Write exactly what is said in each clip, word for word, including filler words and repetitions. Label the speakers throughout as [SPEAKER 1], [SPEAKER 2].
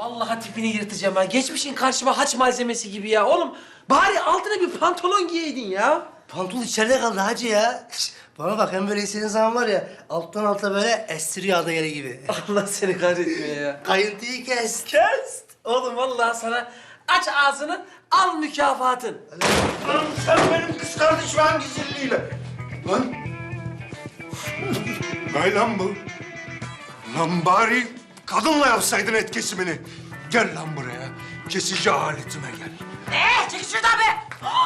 [SPEAKER 1] Vallahi tipini yırtacağım ha. Geçmişin karşıma haç malzemesi gibi ya. Oğlum bari altına bir pantolon giyeydin ya.
[SPEAKER 2] Pantol içeride kaldı hacı ya. Şş, bana bak hem böyle istediğin zaman var ya alttan alta böyle estiriyor ada yeri gibi.
[SPEAKER 1] Allah seni kahretmiyor ya.
[SPEAKER 2] Kayıntıyı kes.
[SPEAKER 1] Kes. Oğlum vallahi sana aç ağzını al mükafatın.
[SPEAKER 3] Lan sen benim kız kardeşim hangi zilliyle? Lan. Ne lan bu? Lan bari kadınla yapsaydın et kesimini. Gel lan buraya. Kesici aletime gel.
[SPEAKER 4] Ne? Çek şuradan be!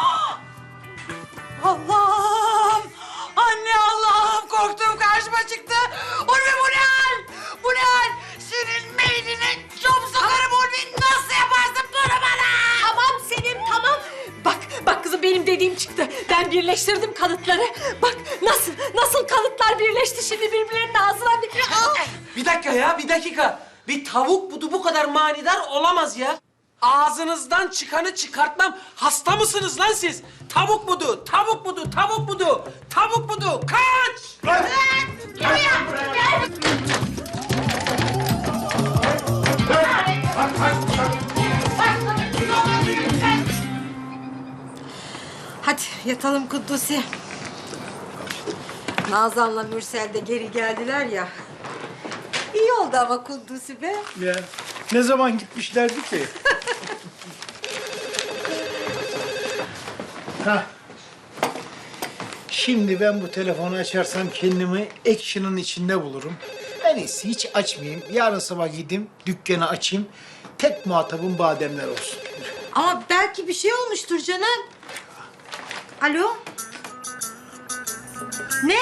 [SPEAKER 4] Allah'ım! Anne Allah'ım! Korktuğum karşıma çıktı. Ulvi bu ne hal? Bu ne hal? Senin meydine çok sokarım Ulvi. Nasıl yaparsın bunu bana?
[SPEAKER 5] Tamam Selim, tamam. Bak, bak kızım benim dediğim çıktı. Ben birleştirdim kanıtları. Bak nasıl, nasıl kanıtlar birleşti şimdi birbirlerinin ağzına. Bir...
[SPEAKER 1] Bir dakika ya, bir dakika. Bir tavuk budu bu kadar manidar olamaz ya. Ağzınızdan çıkanı çıkartmam. Hasta mısınız lan siz? Tavuk budu, tavuk budu, tavuk budu, tavuk budu. Kaç!
[SPEAKER 3] Lan!
[SPEAKER 5] Hadi yatalım Kuddusi. Nazan'la Mürsel de geri geldiler ya. İyi oldu ama Kuddusi be.
[SPEAKER 6] Ya ne zaman gitmişlerdi ki? Ha. Şimdi ben bu telefonu açarsam kendimi action'ın içinde bulurum. En iyisi hiç açmayayım. Yarın sabah gideyim, dükkanı açayım. Tek muhatabım bademler olsun.
[SPEAKER 5] Ama belki bir şey olmuştur canım. Alo? Ne?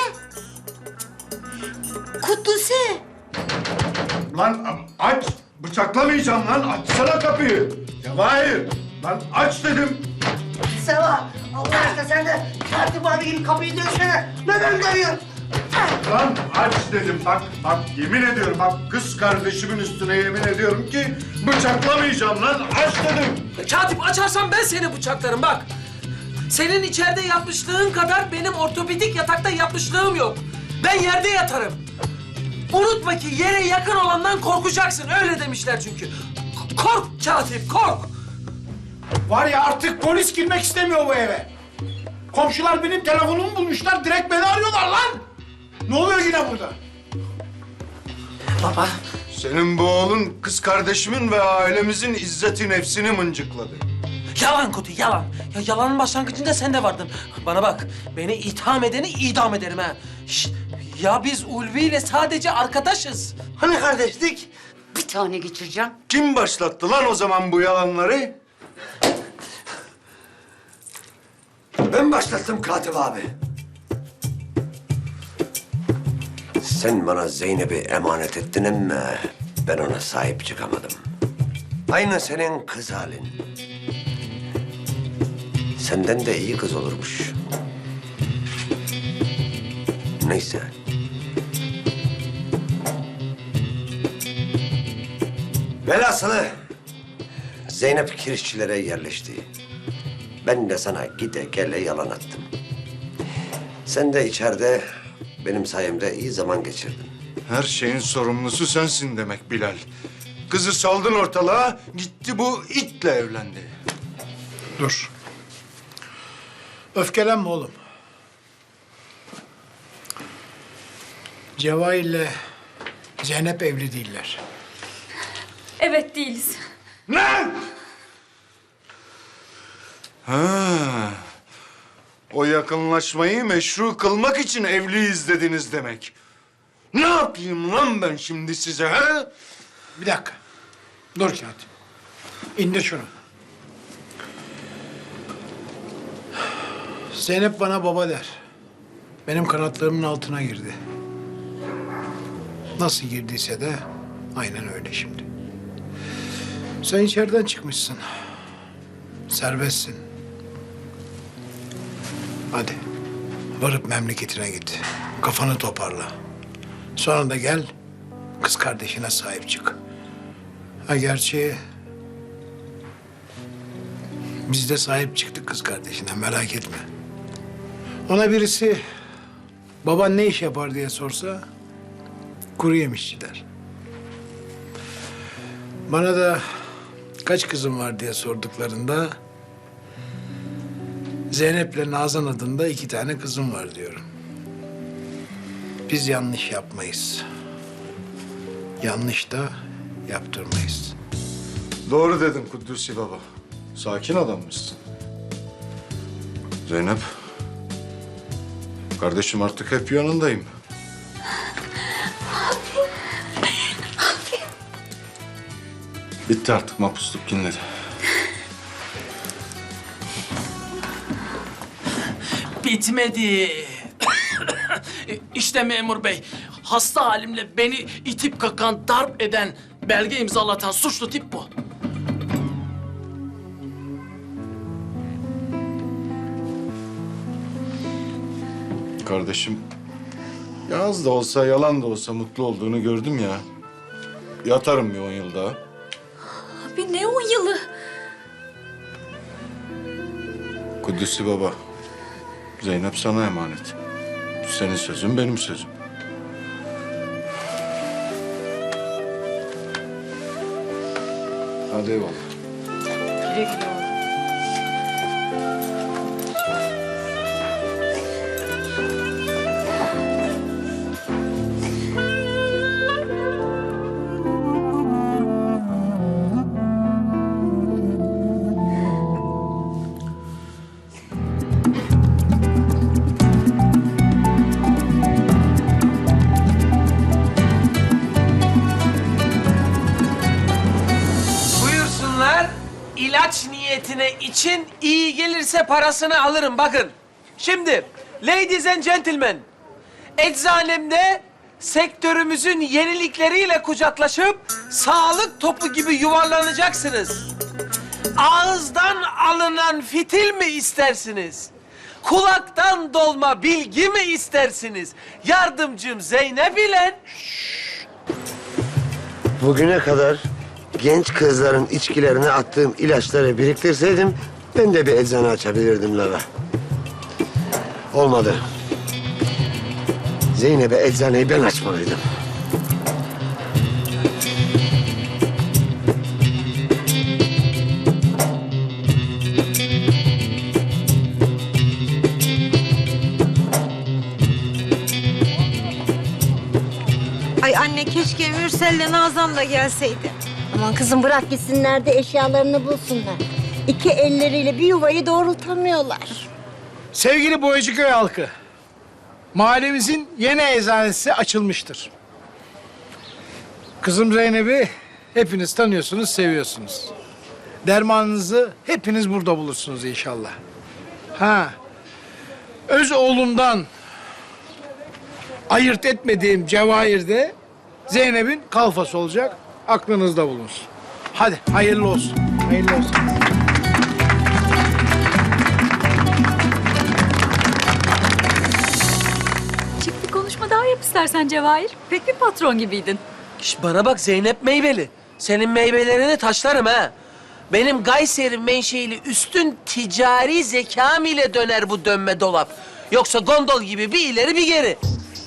[SPEAKER 5] Kuddusi.
[SPEAKER 3] Lan aç! Bıçaklamayacağım lan! Açsana kapıyı! Cevahir! Lan aç dedim!
[SPEAKER 2] Seva Allah aşkına sen de tertip abi gibi kapıyı dövsene. Neden dövüyorsun?
[SPEAKER 3] Lan aç dedim bak, bak yemin ediyorum bak kız kardeşimin üstüne yemin ediyorum ki bıçaklamayacağım lan aç dedim.
[SPEAKER 1] Katip açarsan ben seni bıçaklarım bak. Senin içeride yapmışlığın kadar benim ortopedik yatakta yapmışlığım yok. Ben yerde yatarım. Unutma ki yere yakın olandan korkacaksın. Öyle demişler çünkü. K- kork Katip, kork.
[SPEAKER 6] Var ya artık polis girmek istemiyor bu eve. Komşular benim telefonumu bulmuşlar, direkt beni arıyorlar lan. Ne oluyor yine burada?
[SPEAKER 1] Baba.
[SPEAKER 3] Senin bu oğlun kız kardeşimin ve ailemizin izzeti nefsini mıncıkladı.
[SPEAKER 1] Yalan Kutu, yalan. Ya yalanın başlangıcında sen de vardın. Bana bak, beni itham edeni idam ederim ha. Şişt, ya biz Ulvi ile sadece arkadaşız.
[SPEAKER 2] Hani kardeşlik?
[SPEAKER 4] Bir tane geçireceğim.
[SPEAKER 3] Kim başlattı lan o zaman bu yalanları?
[SPEAKER 7] Ben başlattım Katip abi. Sen bana Zeynep'i emanet ettin ama ben ona sahip çıkamadım. Aynı senin kız halin. Senden de iyi kız olurmuş. Neyse. Velhasılı Zeynep kirişçilere yerleşti. Ben de sana gide gele yalan attım. Sen de içeride benim sayemde iyi zaman geçirdin.
[SPEAKER 3] Her şeyin sorumlusu sensin demek Bilal. Kızı saldın ortalığa, gitti bu itle evlendi.
[SPEAKER 6] Dur. Öfkelenme oğlum. Cevahir'le Zeynep evli değiller.
[SPEAKER 5] Evet değiliz.
[SPEAKER 3] Ne? Ha. O yakınlaşmayı meşru kılmak için evliyiz dediniz demek. Ne yapayım lan ben şimdi size ha?
[SPEAKER 6] Bir dakika. Dur Katip. İndir şunu. Zeynep bana baba der. Benim kanatlarımın altına girdi. Nasıl girdiyse de aynen öyle şimdi. Sen içeriden çıkmışsın. Serbestsin. Hadi. Varıp memleketine git. Kafanı toparla. Sonra da gel, kız kardeşine sahip çık. Ha gerçi... biz de sahip çıktık kız kardeşine, merak etme. Ona birisi baban ne iş yapar diye sorsa... kuru yemişçi der. Bana da kaç kızım var diye sorduklarında Zeynep'le Nazan adında iki tane kızım var diyorum. Biz yanlış yapmayız. Yanlış da yaptırmayız.
[SPEAKER 3] Doğru dedin Kudüs'ü baba. Sakin adammışsın. Zeynep. Kardeşim artık hep yanındayım. Bitti artık mahpusluk günleri.
[SPEAKER 1] Bitmedi. İşte memur bey, hasta halimle beni itip kakan, darp eden, belge imzalatan suçlu tip bu.
[SPEAKER 3] Kardeşim, ya az da olsa, yalan da olsa mutlu olduğunu gördüm ya. Yatarım bir on yıl daha.
[SPEAKER 5] Abi ne on yılı?
[SPEAKER 3] Kudüs'ü baba, Zeynep sana emanet. Senin sözün benim sözüm. Hadi eyvallah.
[SPEAKER 5] Güle güle oğlum.
[SPEAKER 1] Buyursunlar, ilaç niyetine için iyi gelirse parasını alırım. Bakın, şimdi ladies and gentlemen, eczanemde sektörümüzün yenilikleriyle kucaklaşıp sağlık topu gibi yuvarlanacaksınız. Ağızdan alınan fitil mi istersiniz? Kulaktan dolma bilgi mi istersiniz? Yardımcım Zeynep ile...
[SPEAKER 7] Bugüne kadar genç kızların içkilerine attığım ilaçları biriktirseydim ben de bir eczane açabilirdim Lava. Olmadı. Zeynep'e eczaneyi ben açmalıydım.
[SPEAKER 4] Ay anne keşke Mürsel'le Nazan da gelseydi.
[SPEAKER 8] Aman kızım bırak gitsinler de eşyalarını bulsunlar. İki elleriyle bir yuvayı doğrultamıyorlar.
[SPEAKER 6] Sevgili Boyacıköy halkı, mahallemizin yeni eczanesi açılmıştır. Kızım Zeynep'i hepiniz tanıyorsunuz, seviyorsunuz. Dermanınızı hepiniz burada bulursunuz inşallah. Ha, öz oğlumdan ayırt etmediğim Cevahir de Zeynep'in kalfası olacak. Aklınızda bulunsun. Hadi hayırlı olsun. Hayırlı olsun.
[SPEAKER 5] Çık bir konuşma daha yap istersen Cevahir. Pek bir patron gibiydin.
[SPEAKER 1] Şş, bana bak Zeynep meyveli. Senin meyvelerini taşlarım ha. Benim Kayseri menşeili üstün ticari zekam ile döner bu dönme dolap. Yoksa gondol gibi bir ileri bir geri.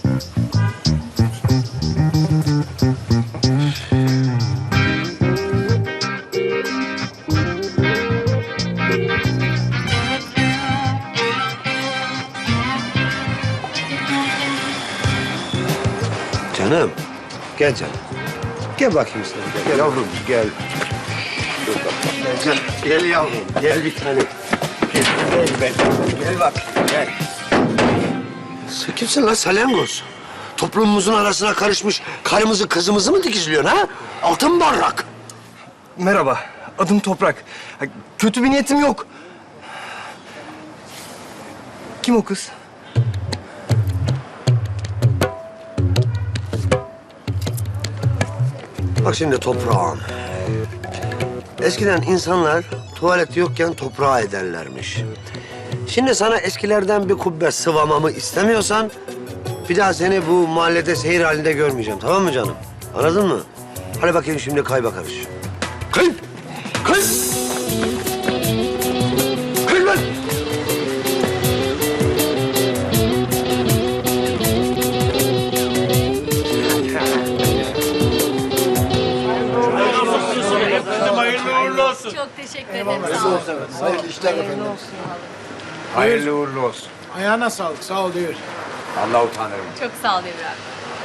[SPEAKER 7] Canım, gel canım. Gel bakayım sen. Gel yavrum, gel. Dur bak, gel canım. Gel yavrum, gel bir tane. Gel, gel, gel. Gel bak, gel. Sen kimsin lan salyangoz? Toplumumuzun arasına karışmış karımızı kızımızı mı dikizliyorsun ha? Altın barrak.
[SPEAKER 9] Merhaba, adım Toprak. Ha, kötü bir niyetim yok. Kim o kız?
[SPEAKER 7] Bak şimdi toprağım. Eskiden insanlar tuvalet yokken toprağa ederlermiş. Şimdi sana eskilerden bir kubbe sıvamamı istemiyorsan... ...bir daha seni bu mahallede seyir halinde görmeyeceğim, tamam mı canım? Anladın mı? Hadi bakayım şimdi kay bakarız. Kay! Kay! Kay lan!
[SPEAKER 1] olsun.
[SPEAKER 5] Çok teşekkür ederim. Sağ olun.
[SPEAKER 6] Hayırlı işler efendim.
[SPEAKER 3] Hayırlı uğurlu olsun.
[SPEAKER 6] Ayağına sağlık. Sağ ol diyor.
[SPEAKER 3] Allah utanırım.
[SPEAKER 5] Çok sağ ol İbrahim.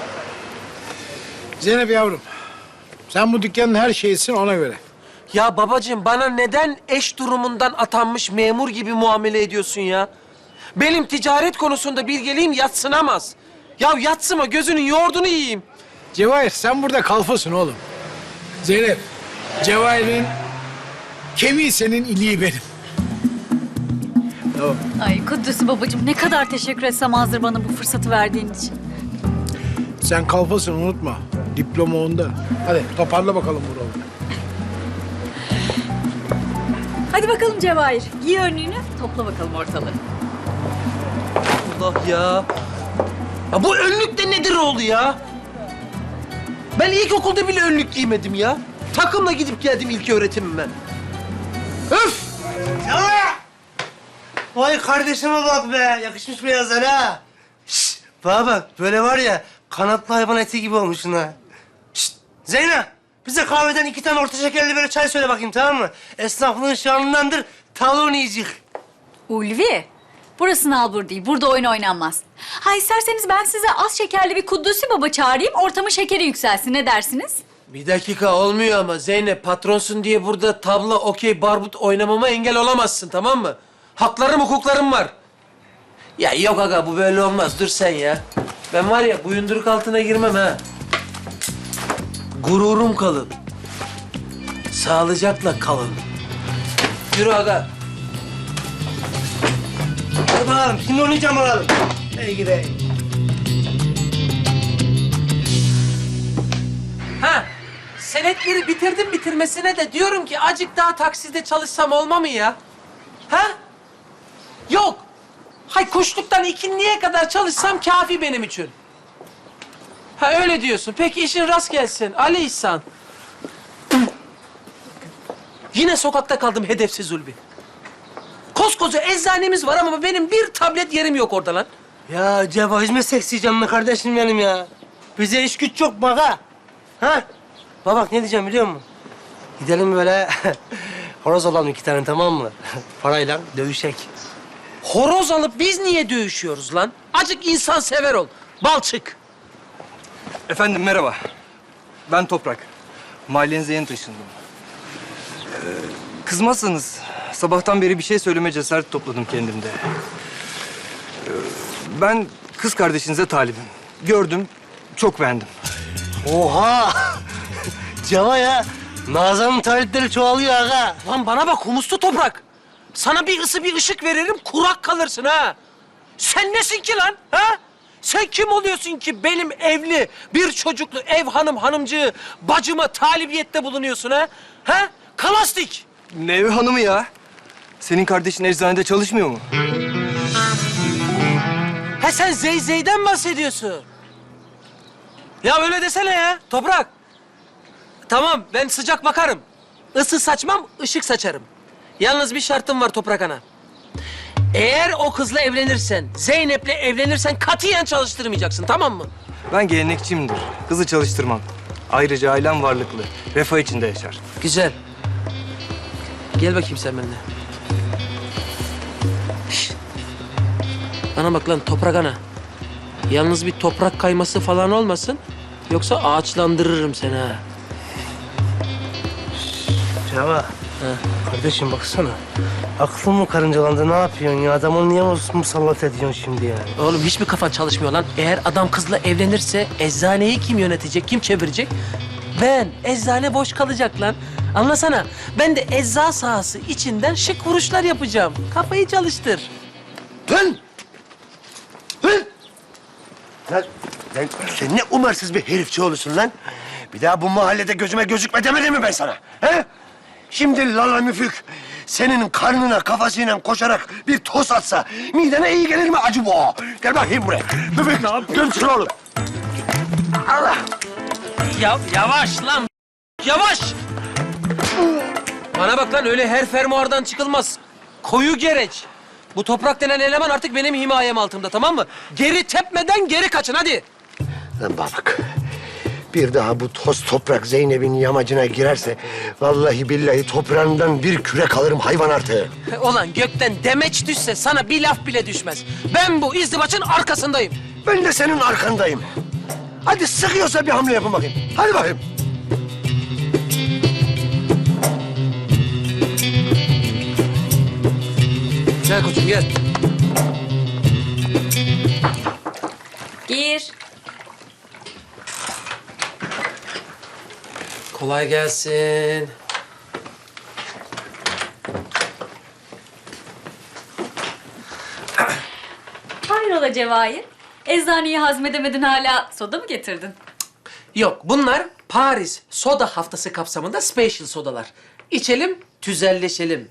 [SPEAKER 6] Zeynep yavrum. Sen bu dükkanın her şeyisin ona göre.
[SPEAKER 1] Ya babacığım bana neden eş durumundan atanmış memur gibi muamele ediyorsun ya? Benim ticaret konusunda bilgeliğim yadsınamaz. Ya yatsıma gözünün yoğurdunu yiyeyim.
[SPEAKER 6] Cevahir sen burada kalfasın oğlum. Zeynep, Cevahir'in kemiği senin, iliği benim. Tamam.
[SPEAKER 5] Ay Kudüs'ü babacığım ne kadar teşekkür etsem azdır bana bu fırsatı verdiğin için.
[SPEAKER 6] Sen kalfasın unutma. Diploma onda. Hadi toparla bakalım buraları.
[SPEAKER 5] Hadi bakalım Cevahir. Giy önlüğünü, topla bakalım ortalığı.
[SPEAKER 1] Allah ya. Ya bu önlük de nedir oldu ya? Ben ilkokulda bile önlük giymedim ya. Takımla gidip geldim ilk öğretimime. Öf!
[SPEAKER 2] Ya! Vay kardeşime bak be. Yakışmış beyazlar ha. Şşt, bana bak böyle var ya kanatlı hayvan eti gibi olmuşsun ha. Şşt, Zeynep bize kahveden iki tane orta şekerli böyle çay söyle bakayım tamam mı? Esnaflığın şanındandır. Talon yiyecek.
[SPEAKER 5] Ulvi, burası nalbur değil. Burada oyun oynanmaz. Ha isterseniz ben size az şekerli bir Kudüs'ü baba çağırayım. Ortamın şekeri yükselsin. Ne dersiniz?
[SPEAKER 1] Bir dakika olmuyor ama Zeynep patronsun diye burada tabla, okey, barbut oynamama engel olamazsın tamam mı? Haklarım, hukuklarım var. Ya yok aga bu böyle olmaz. Dur sen ya. Ben var ya buyunduruk altına girmem ha. Gururum kalın. Sağlıcakla kalın. Yürü aga.
[SPEAKER 2] Hadi bakalım şimdi oynayacağım bakalım. Ey gidi.
[SPEAKER 1] Ha, senetleri bitirdim bitirmesine de diyorum ki acık daha takside çalışsam olma mı ya? Ha? Yok. Hay kuşluktan ikinliğe kadar çalışsam kafi benim için. Ha öyle diyorsun. Peki işin rast gelsin. Ali İhsan. Yine sokakta kaldım hedefsiz Ulvi. Koskoca eczanemiz var ama benim bir tablet yerim yok orada lan.
[SPEAKER 2] Ya Ceva hizmet seksiyeceğim be kardeşim benim ya. Bize iş güç çok bak ha. Ha? Bak bak ne diyeceğim biliyor musun? Gidelim böyle horoz alalım iki tane tamam mı? Parayla dövüşek.
[SPEAKER 1] Horoz alıp biz niye dövüşüyoruz lan? Acık insan sever ol. Balçık.
[SPEAKER 9] Efendim merhaba. Ben Toprak. Mahallenize yeni taşındım. Ee, kızmazsanız sabahtan beri bir şey söyleme cesareti topladım kendimde. Ee, ben kız kardeşinize talibim. Gördüm, çok beğendim.
[SPEAKER 2] Oha! Ceva ya. Nazan'ın talipleri çoğalıyor aga.
[SPEAKER 1] Lan bana bak humuslu toprak. Sana bir ısı bir ışık veririm kurak kalırsın ha. Sen nesin ki lan ha? Sen kim oluyorsun ki benim evli bir çocuklu ev hanım hanımcığı bacıma talibiyette bulunuyorsun ha? Ha? Kalastik.
[SPEAKER 9] Ne ev hanımı ya? Senin kardeşin eczanede çalışmıyor mu?
[SPEAKER 1] Ha sen Zeyzey'den bahsediyorsun. Ya öyle desene ya toprak. Tamam ben sıcak bakarım. Isı saçmam, ışık saçarım. Yalnız bir şartım var Toprak Ana. Eğer o kızla evlenirsen, Zeynep'le evlenirsen katiyen çalıştırmayacaksın, tamam mı?
[SPEAKER 9] Ben gelenekçiyimdir. Kızı çalıştırmam. Ayrıca ailem varlıklı. Refah içinde yaşar.
[SPEAKER 1] Güzel. Gel bakayım sen benimle. Şişt. Bana bak lan Toprak Ana. Yalnız bir toprak kayması falan olmasın. Yoksa ağaçlandırırım seni ha.
[SPEAKER 2] Ceva. Kardeşim baksana. Aklın mı karıncalandı ne yapıyorsun ya? Adamı niye musallat ediyorsun şimdi yani?
[SPEAKER 1] Oğlum hiçbir kafan çalışmıyor lan. Eğer adam kızla evlenirse eczaneyi kim yönetecek, kim çevirecek? Ben. Eczane boş kalacak lan. Anlasana. Ben de ecza sahası içinden şık vuruşlar yapacağım. Kafayı çalıştır.
[SPEAKER 2] Dön! Dön! Lan, lan sen ne umarsız bir herifçi olursun lan. Bir daha bu mahallede gözüme gözükme demedim mi ben sana? He? Şimdi Lala Müfük senin karnına kafasıyla koşarak bir toz atsa midene iyi gelir mi acı bu? Gel bakayım buraya. Müfük ne yapıyorsun oğlum? Allah!
[SPEAKER 1] Ya yavaş lan. Yavaş. Bana bak lan öyle her fermuardan çıkılmaz. Koyu gereç. Bu toprak denen eleman artık benim himayem altımda tamam mı? Geri tepmeden geri kaçın hadi.
[SPEAKER 2] Lan bana bak. Bir daha bu toz toprak Zeynep'in yamacına girerse... ...vallahi billahi toprağından bir kürek alırım hayvan artığı.
[SPEAKER 1] Ulan gökten demeç düşse sana bir laf bile düşmez. Ben bu izdivaçın arkasındayım.
[SPEAKER 2] Ben de senin arkandayım. Hadi sıkıyorsa bir hamle yapın bakayım. Hadi bakayım.
[SPEAKER 1] Gel koçum gel.
[SPEAKER 5] Gir.
[SPEAKER 1] Kolay gelsin.
[SPEAKER 5] Hayrola Cevahir? Eczaneyi hazmedemedin hala soda mı getirdin?
[SPEAKER 1] Yok bunlar Paris soda haftası kapsamında special sodalar. İçelim, tüzelleşelim.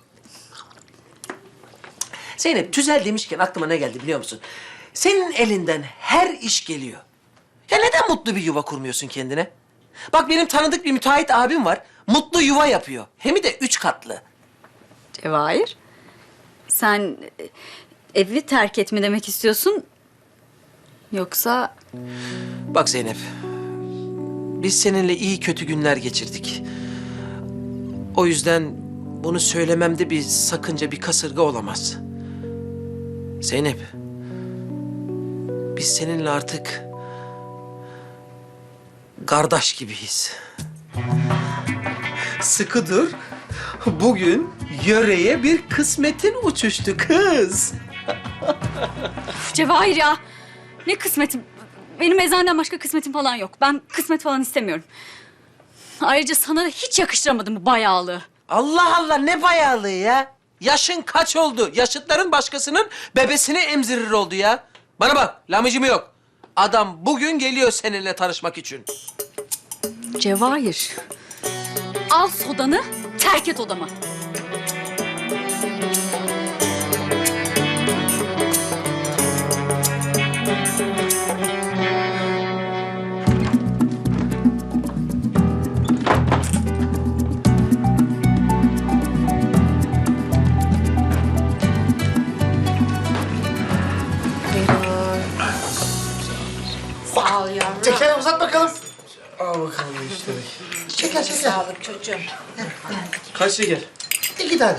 [SPEAKER 1] Zeynep tüzel demişken aklıma ne geldi biliyor musun? Senin elinden her iş geliyor. Ya neden mutlu bir yuva kurmuyorsun kendine? Bak benim tanıdık bir müteahhit abim var. Mutlu yuva yapıyor. Hem de üç katlı.
[SPEAKER 5] Cevahir, sen e, evi terk et mi demek istiyorsun? Yoksa...
[SPEAKER 1] Bak Zeynep, biz seninle iyi kötü günler geçirdik. O yüzden bunu söylememde bir sakınca, bir kasırga olamaz. Zeynep, biz seninle artık kardeş gibiyiz. Sıkı dur. Bugün yöreye bir kısmetin uçuştu kız.
[SPEAKER 5] Cevahir ya, ne kısmetim? Benim eczaneden başka kısmetim falan yok. Ben kısmet falan istemiyorum. Ayrıca sana da hiç yakıştıramadım bu bayağılığı.
[SPEAKER 1] Allah Allah ne bayağılığı ya? Yaşın kaç oldu? Yaşıtların başkasının bebesini emzirir oldu ya. Bana bak, lamıcımı yok. Adam bugün geliyor seninle tanışmak için.
[SPEAKER 5] Cevahir, al sodanı, terk et odamı.
[SPEAKER 4] Sağ ol yavrum.
[SPEAKER 2] Şeker uzat bakalım.
[SPEAKER 1] Al bakalım işte.
[SPEAKER 2] Şeker şeker.
[SPEAKER 4] Sağlık çocuğum.
[SPEAKER 1] Kaç şeker?
[SPEAKER 2] İki tane.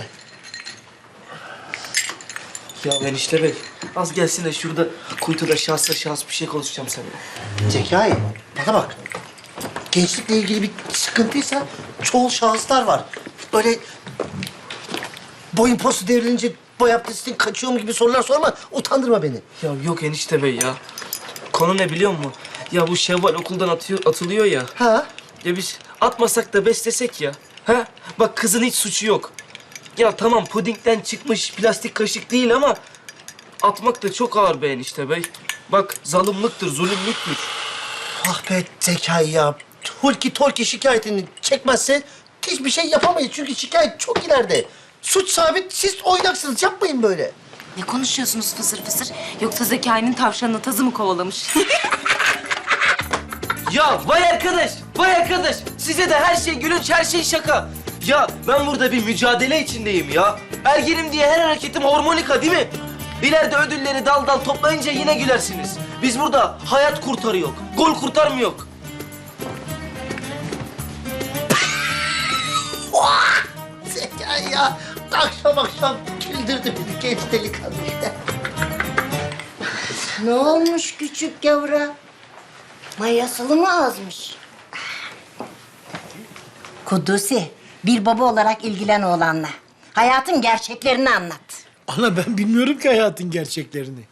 [SPEAKER 10] Ya enişte bey, az gelsin de şurada kuytuda şahsa şahs bir şey konuşacağım seninle.
[SPEAKER 11] Zekai, bana bak. Gençlikle ilgili bir sıkıntıysa çoğul şahıslar var. Böyle boyun postu devrilince boy abdestin kaçıyor mu gibi sorular sorma. Utandırma beni.
[SPEAKER 10] Ya yok enişte bey ya. Konu ne biliyor musun? Ya bu Şevval okuldan atıyor, atılıyor ya.
[SPEAKER 11] Ha?
[SPEAKER 10] Ya biz atmasak da beslesek ya. Ha? Bak kızın hiç suçu yok. Ya tamam pudingden çıkmış plastik kaşık değil ama... ...atmak da çok ağır be enişte bey. Bak zalimliktir, zulümlüktür.
[SPEAKER 11] Ah be Zekai ya. Hulki Tolki şikayetini çekmezse hiçbir şey yapamayız. Çünkü şikayet çok ileride. Suç sabit, siz oynaksınız. Yapmayın böyle.
[SPEAKER 12] Ne konuşuyorsunuz fısır fısır? Yoksa Zekai'nin tavşanını tazı mı kovalamış?
[SPEAKER 10] Ya vay arkadaş, vay arkadaş. Size de her şey gülünç, her şey şaka. Ya ben burada bir mücadele içindeyim ya. Ergenim diye her hareketim hormonika değil mi? İleride ödülleri dal dal toplayınca yine gülersiniz. Biz burada hayat kurtarıyor, gol kurtarmıyor.
[SPEAKER 11] Zekai ya. Akşam akşam güldürdü beni genç delikanlı.
[SPEAKER 8] Ne olmuş küçük yavra? Mayasılı mı azmış? Kudusi, bir baba olarak ilgilen oğlanla. Hayatın gerçeklerini anlat.
[SPEAKER 6] Ana ben bilmiyorum ki hayatın gerçeklerini.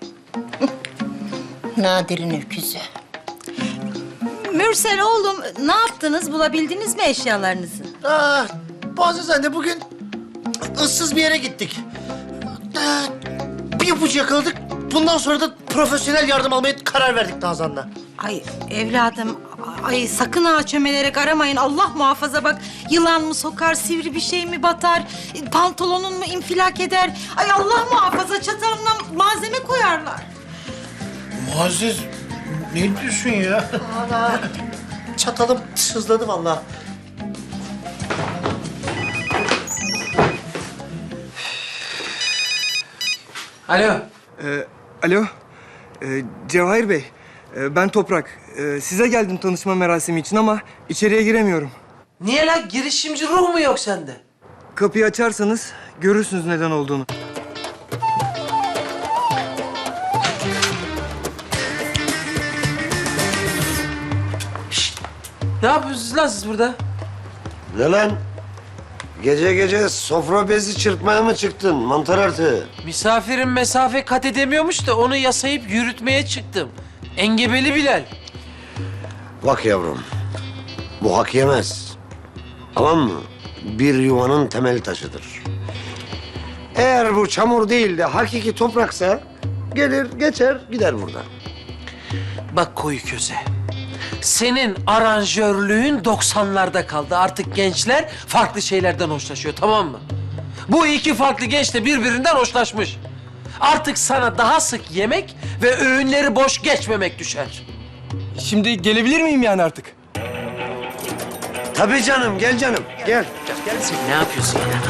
[SPEAKER 8] Nadir'in öküzü.
[SPEAKER 4] Mürsel oğlum, ne yaptınız? Bulabildiniz mi eşyalarınızı?
[SPEAKER 11] Ah, Boğaziz anne bugün ıssız bir yere gittik. Ee, bir ipucu yakaladık. Bundan sonra da profesyonel yardım almaya karar verdik Nazan'la.
[SPEAKER 4] Ay evladım, ay sakın ağa çömelerek aramayın. Allah muhafaza bak, yılan mı sokar, sivri bir şey mi batar, pantolonun mu infilak eder. Ay Allah muhafaza, çatalına malzeme koyarlar.
[SPEAKER 6] Muazzez ne diyorsun ya?
[SPEAKER 11] Ana, çatalım sızladı vallahi.
[SPEAKER 1] Alo.
[SPEAKER 9] Ee, alo, ee, Cevahir Bey. Ee, ben Toprak. Ee, size geldim tanışma merasimi için ama içeriye giremiyorum.
[SPEAKER 1] Niye lan? Girişimci ruh mu yok sende?
[SPEAKER 9] Kapıyı açarsanız görürsünüz neden olduğunu.
[SPEAKER 1] Ne yapıyorsunuz lan siz burada?
[SPEAKER 7] Ne lan? Gece gece sofra bezi çırpmaya mı çıktın mantar artığı?
[SPEAKER 1] Misafirin mesafe kat edemiyormuş da onu yasayıp yürütmeye çıktım. Engebeli Bilal.
[SPEAKER 7] Bak yavrum, bu hak yemez. Tamam mı? Bir yuvanın temel taşıdır. Eğer bu çamur değil de hakiki topraksa gelir geçer gider buradan.
[SPEAKER 1] Bak koyu köze. Senin aranjörlüğün doksanlarda kaldı. Artık gençler farklı şeylerden hoşlaşıyor, tamam mı? Bu iki farklı genç de birbirinden hoşlaşmış. Artık sana daha sık yemek ve öğünleri boş geçmemek düşer.
[SPEAKER 9] Şimdi gelebilir miyim yani artık?
[SPEAKER 7] Tabii canım, gel canım, gel.
[SPEAKER 1] Sen ne yapıyorsun ya?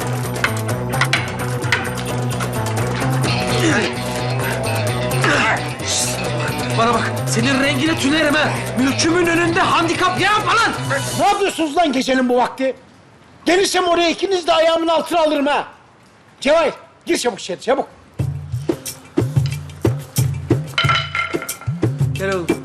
[SPEAKER 1] Bana bak, senin rengine tünerim ha. Mülkümün önünde handikap yapma lan.
[SPEAKER 6] Ne yapıyorsunuz lan gecenin bu vakti? Gelirsem oraya ikiniz de ayağımın altına alırım ha. Cevahir, gir çabuk içeri, çabuk.
[SPEAKER 1] Gel oğlum.